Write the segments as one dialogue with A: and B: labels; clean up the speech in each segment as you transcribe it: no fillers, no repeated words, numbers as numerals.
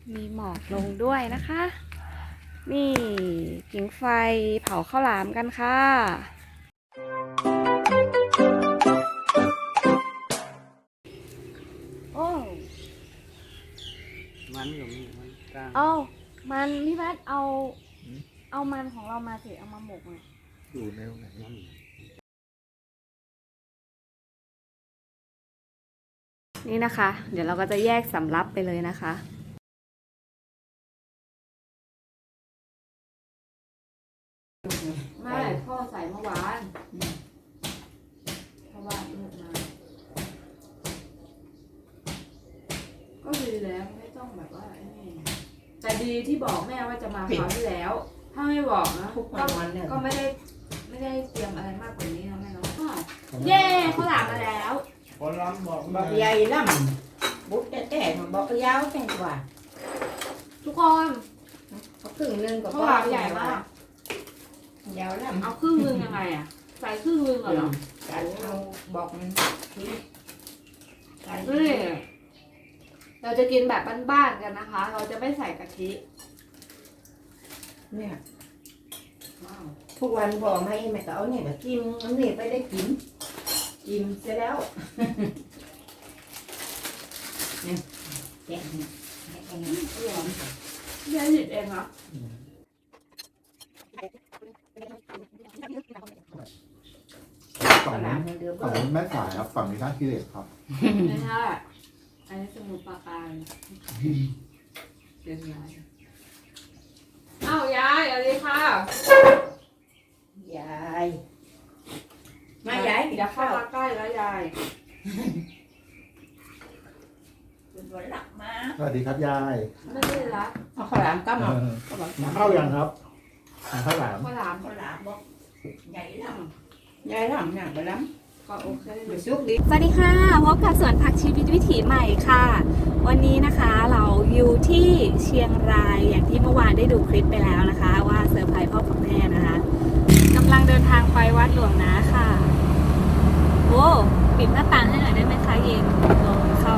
A: มีหมอกลงด้วยนะคะ นี่ผิงไฟเผาข้าวหลามกันค่ะโอ้
B: มันอยู่นี่มันกลาง
A: เอามันพี่แพทเอามันของเรามาสิเอามาหมกเลย
B: อยู่ในไหนนั่น
A: นี่นะคะ เดี๋ยวเราก็จะแยกสำรับไปเลยนะคะไม่พ่อใส่เมื่อวานเพราะว่าลูกมาก็ดีแล้วไม่ต้องแบบว่าไอ้นี่แต่ดีที่บอกแม่ว่าจะมาคราวที่แล้ว ถ้าไม่บอกนะก็ไม่ได้เตรียมอะไรมากกว่านี้นะแม่เนาะเย้เขาหลามมาแล้ว
B: คนร้องบอก
C: บอกใหญ่ล่ำบุ๊กแต่บอกยาวแต่กว่า
A: ทุกคน
C: เขาครึ่งนึงก็
A: เขาหลามใหญ่มาก
C: ยาวล่ำ
A: เอาครึ่งนึงยังไงอ่ะใส่ครึ่งนึงเหรอ
C: กันเอาบอกมันใส่
A: นี่เราจะกินแบบบ้านๆกันนะคะ เราจะไม่ใส่กะทิ
C: เนี่ยทุกวันบอกให้แม่ก็เอาเนี่ยก็กินอันนี้ไปได้กินเสร็จแล้วเนี่ยแกะเนี่ย
A: ยายหยิบเองเหรอ
D: ฝั่งนี้ฝั่งนี้แม่สายครับ ฝั่งนี้ท่าขี้เหล็กครับ
A: ไม่ใช่อันนี้สมุนปราการเป็นยายอ้าวยายอะไรค่ะ
C: ยายมายาย
A: อย่าเข้ามาใกล้แล้วยาย
C: เป็นวันหลักมา
D: สวัสดีครับยาย
A: ไม่ได้ละ
C: เอาข้าวหลามก็มา
D: เข้ายังครับข้าวหลาม
A: ข้าวหลาม
C: ข้าวหลามบอกใหญ่ล่ำใหญ่ล่ำหนักไปล้ำ
A: ก็โอเค
C: ไปซุกดิ
A: สวัสดีค่ะพบกับสวนผักชีวิตวิถีใหม่ค่ะ วันนี้นะคะเราอยู่ที่เชียงรายอย่างที่เมื่อวานได้ดูคลิปไปแล้วนะคะ ว่าเซอร์ไพรส์พ่อกับแม่นะคะกำลังเดินทางไปวัดหลวงนะค่ะโอ้ปิดหน้าต่างให้หน่อยได้ไหมคะเย็นลมเข้า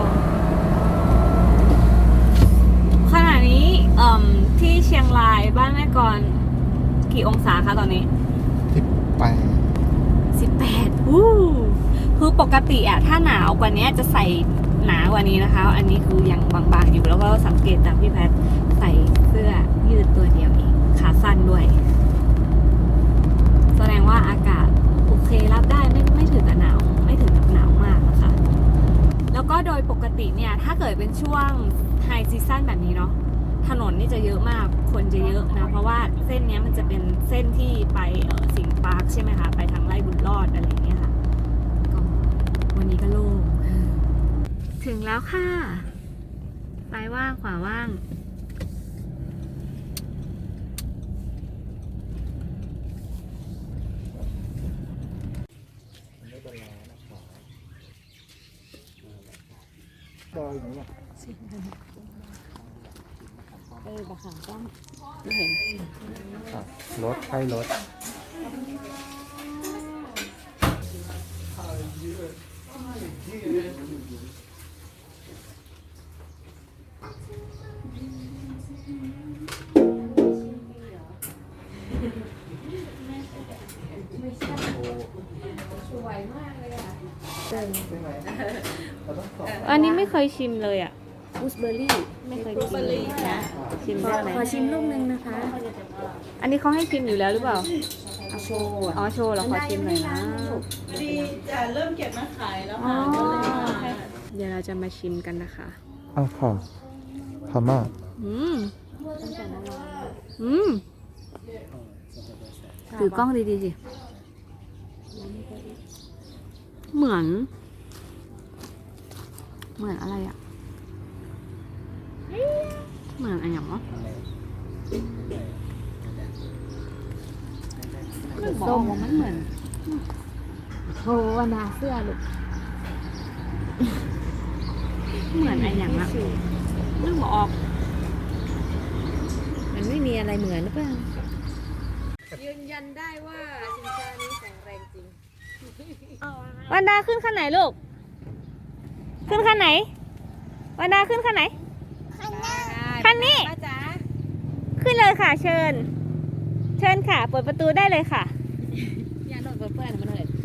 A: ขณะนี้ที่เชียงรายบ้านแม่กรกี่องศาคะตอนนี้ 18คือปกติอะถ้าหนาวกว่านี้จะใส่หนากว่านี้นะคะ อันนี้คือยังบางๆอยู่แล้วก็สังเกตจากพี่แพทใส่เสื้อยืดตัวเดียวเองขาสั้นด้วย แสดงว่าอากาศโอเครับได้ไม่ถึงกับหนาวไม่ถึงกับหนาวมากนะคะ แล้วก็โดยปกติเนี่ยถ้าเกิดเป็นช่วงไฮซีซั่นแบบนี้เนาะถนนนี่จะเยอะมากคนจะเยอะนะเพราะว่าเส้นนี้มันจะเป็นเส้นที่ไปสิงห์ปาร์คใช่ไหมคะไปทางไร่บุญรอดอะไรอย่างเงี้ยค่ะก็วันนี้ก็โล่งถึงแล้วค่ะซ้ายว่างขวาว่างบะขังต้องไม่เห็น
D: รถใช่รถ
A: สวยมากเลยอ่ะอันนี้ไม่เคยชิมเลยอ่ะกูสเบอร์รี่ไม่เคยชิมเลยนะชิมได้ไหม
E: ขอชิมลูกนึงนะคะ
A: อันนี้เขาให้ชิมอยู่แล้วหรือเปล่า
E: เอาโชว์
A: อ๋อโชว์เหรอขอชิมหน่อยนะ
E: พอดีจะเริ่มเก็บมาขายแล้ว
A: อ๋อ
E: ค่ะ
A: เดี๋ยวเราจะมาชิมกันนะคะ
D: อ้าวค่ะพม่า
A: อืมถือกล้องดีๆสิเหมือนอะไรอ่ะเหมือนอะไรอย่างวะส้มมันเหมือนโหวนาเสื้อลูกเหมือนอะไรอย่างอะนึกไม่ออก
E: มันไม่มีอะไรเหมือนหรือเปล่า
A: ยืนยันได้ว่าชิงช้านี้แข็งแรงจริงวันดาขึ้นขั้นไหนลูกขึ้นขั้นไหนวันดาขึ้นขั้นไหนขั้นหน้าคันนี้
E: ป้าจ๋า
A: ขึ้นเลยค่ะ เชิญ เชิญค่ะ เปิดประตูได้เลยค่ะ
E: อย่าโดนเปิดเพื่อนมันเลย